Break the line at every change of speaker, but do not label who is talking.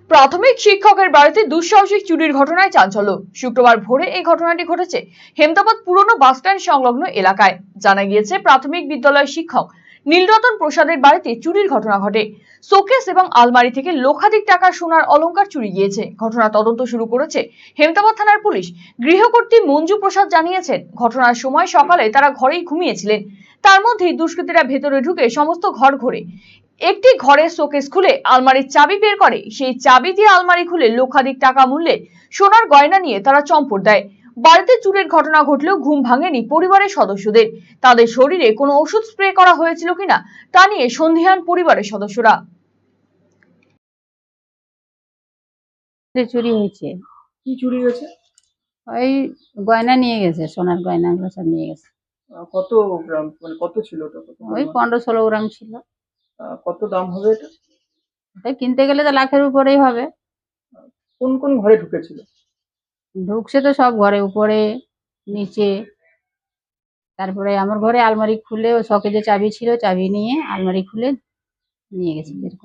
প্রাথমিক শিক্ষকের বাড়িতে দুঃসাহসিক চুরির ঘটনায় চাঞ্চল্য। শুক্রবার ভোরে এই ঘটনাটি ঘটেছে হেমতাবাদ পুরনো বাসস্ট্যান্ড সংলগ্ন এলাকায়। জানা গিয়েছে, প্রাথমিক বিদ্যালয়ের শিক্ষক নীলরতন প্রসাদের বাড়িতে চুরির ঘটনা ঘটে। শোকেস এবং আলমারি থেকে লক্ষাধিক টাকার সোনার অলংকার চুরি গিয়েছে। ঘটনা তদন্ত শুরু করেছে হেমতাবাদ থানার পুলিশ। গৃহকর্ত্রী মঞ্জু প্রসাদ জানিয়েছেন, ঘটনার সময় সকালে তারা ঘরেই ঘুমিয়েছিলেন। তার মধ্যেই দুষ্কৃতীরা ভেতরে ঢুকে সমস্ত ঘর ঘোরে। একটি ঘরের শোকেস খুলে আলমারির চাবি বের করে। সেই চাবি দিয়ে আলমারি খুলে লক্ষাধিক টাকা মূল্যের সোনার গয়না নিয়ে তারা চম্পট দেয়। বাড়িতে চুরির ঘটনা ঘটলেও ঘুম ভাঙেনি পরিবারের সদস্যদের। তাদের শরীরে কোনো ওষুধ স্প্রে করা হয়েছিল কিনা তা নিয়ে সন্দিহান পরিবারের সদস্যরা।
চুরি হয়েছে।
কি চুরি হয়েছে?
ওই গয়না নিয়ে গেছে, সোনার গয়নাগুলো সব নিয়ে গেছে।
কত গ্রাম, মানে কত ছিল ওটা? কত
ওই
পরিমাণ?
15-16 গ্রাম ছিল।
কত দাম হবে এটা?
এটা কিনতে গেলে তো লাখের উপরেই হবে।
কোন কোন ঘরে ঢুকেছিল?
ঢুকছে তো সব ঘরে, উপরে নিচে। তারপরে আমার ঘরে আলমারি খুলে, ও শকে যে চাবি ছিল চাবি নিয়ে আলমারি খুলে নিয়ে গেছে।